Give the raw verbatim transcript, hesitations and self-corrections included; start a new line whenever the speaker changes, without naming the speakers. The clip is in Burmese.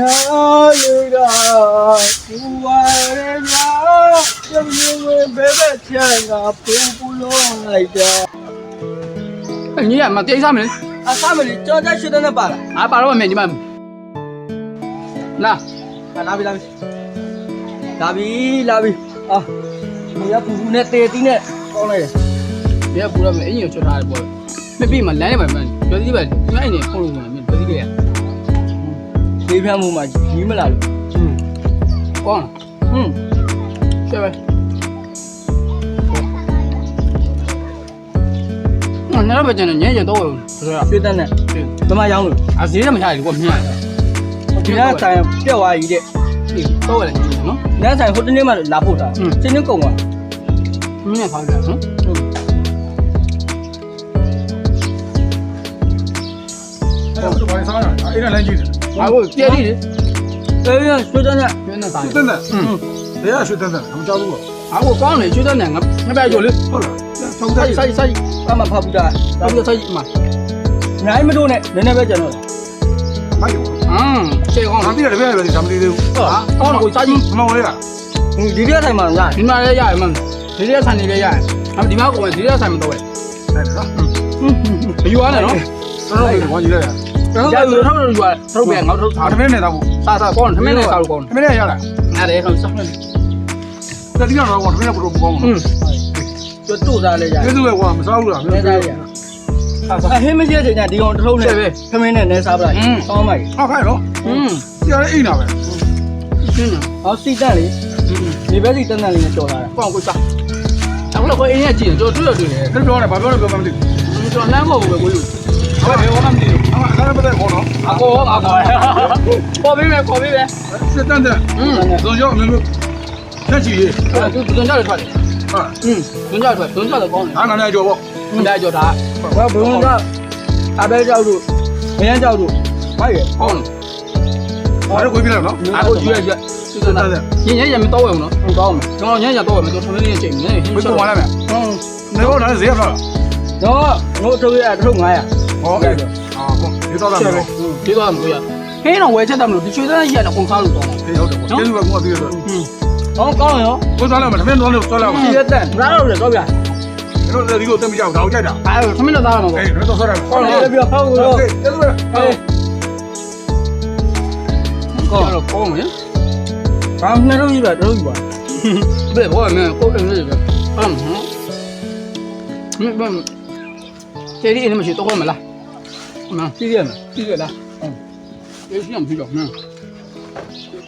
လူတော်ဘူဝရညာရုံရုံဘဲဘဲချန်ကပူပူလုံးလိုက်တာ
你也嘛点啥没？
အဆမလီကြောကြရွှေတဲ့နဲ့ပါလား
啊，把老面你们，那
လာပြီလာပြီလာပြီလာပြီအာဒီကပူပူနဲ့တေတီးနဲ့ကောင်းလိုက်တယ်
别不了没，人家说啥的不？没比嘛，来的嘛嘛，觉得这边你看人家跑路嘛，没觉得这个，
ဒီဖျက်မှုမှာကြီးမလာလို့
嗯，光了，
ဟွန်း
下呗。那那边真的年纪多了，是不是？
ရွှေတဲ့နဲ့
对，
ဘယ်မှာရောင်းလို့
啊，谁这么下来？我明天，
ဒီကဆိုင်ပြက်သွားကြီးတဲ့
对，多了你喏，
နန်းဆိုင်ဟိုတနေ့မှလာဖို့တာချင်းချင်းကုန်သွား
明天跑去，嗯，
哎，我都把你啥样？哎，那来几的？
啊，我别的，
အေးရွှေတဲ့နဲ့
就那啥
水，等等，
嗯，
谁呀？水等等，他们加入了。
啊，我刚来就在那个那边有的，
好了，超过
啥啥啥，
ဘာမှဖောက်ပြီးတာ
差不多差一嘛，
အများကြီးမတိုးနဲ့နည်းနည်းပဲကျန်တော့
哪有？
嗯，这个
俺弟那边那边咱们的都，
啊，刚了我差一。
他妈我的，
ဒီဒီကဆိုင်မှာငါ
ဒီမှာလည်းရတယ်မင်းဒီလေးဆန်နေလည်းရတယ်အမဒီမှာကိုယ်ဒီလေးဆန်မတော့ပဲ
哎，啥？
မယူရနဲ့နော်
这是我忘记了呀。
ကျွန်တော်ကထောက်လို့ယူရထုတ်ပြန်ငေါထုတ်
啊，他们那咋不？
စားစားကောင်းတယ်ထမင်းနဲ့စားလို့ကောင်း
他们那下来，
တယ်အဲ့ဒါဆောက်နေ
在地上我他们也不说不光嘛。
อืม
ကျွတ်တို့စားလဲကြ
这是我们啥路了？
နည်းစားရအဟင်းမရှိတဲ့ချိန်ကျဒီကောင်တစ်ထုံးနဲ့ခမင်းနဲ့နည်းစားပလိုက်ဆောင်းမိုက်
好看喽。
อืม
现在一那呗。
ရှင်းတယ်
ဟောစီတက်လေဒီဘက်စီတက်တက်လေးနဲ့ကြော်လာတာ
ကောင်းကိုစားအခုလည်းကိုအင်းရဲ့ကြည့်ကျွန်တော်တွေ့ရတွေ့တယ်
这标呢？把标呢标满的。
ကျွန်တော်လမ်းပေါ်ကိုပဲကိုလူဟုတ်တယ်ဘာမှမသိဘူး
啊，咱也不在好了。
အကောအကောပေါ်ပေးမယ်ပေါ်ပေးမယ်
是等等，
อืม
总叫没有。天气，
သူသူကြောက်ထွက်တယ်
啊，
อืมသူကြောက်ထွက်သူကြောက်တော့ကောင်းတယ်
俺俺那叫不？
မได้ကြော်တာ
ဘာဘုံကအဘဲကြောက်တို့မရမ်းကြောက်တို့မိုက်ရ
ကောင်းတယ်
还是回避了喏。
အခုရွက်ရွက်သူကညညညမတော့ဘူးနော်ဟုတ်ကောင်းမယ်ကျွန်တော်ညညတော့မယ်ကျွန်တော်ထမင်းလေးချိန်နေ
回过完了没？
ဟုတ်
那我那谁也不了。
တော့ငို့ထုတ်ရတစ်ထုံ900
哦，哎，啊，不，你到那没有？
ဒီတော့မလို့ရဟင်းတော့ဝယ်ချက်တယ်မလို့ဒီချွေးသားကြီးကတော့ကုန်စားလို့တော့
没有的，这是个我对的。
อืม
ဟောကောင်းရော
我转了嘛，他们转了转了嘛。
စီရက်တက်
ဘာလို့လဲတော့ဗျာ
你说这里头怎么讲？然后再讲。
အဲထမင်းတော့သားရမှာပေါ့
哎，这都说了。
ကောင်းတယ်ပြောဟောလို့
对，这是。
ကောင်းတော့ကောင်းမယ်
ဘာနှစ်ထုံးကြီးပဲတစ်ထုံးကြီးပါ
ဘယ်ဘောမင်းကိုယ်အင်းလေးပဲအမ်ဟမ်မင်းဘာကျေးဒီအင်းမရှိတော့မလားမင်း
စီရက်မယ်
ကြည့်ရလားဟုတ်ကျေးစီမဖြစ်တော့မင်း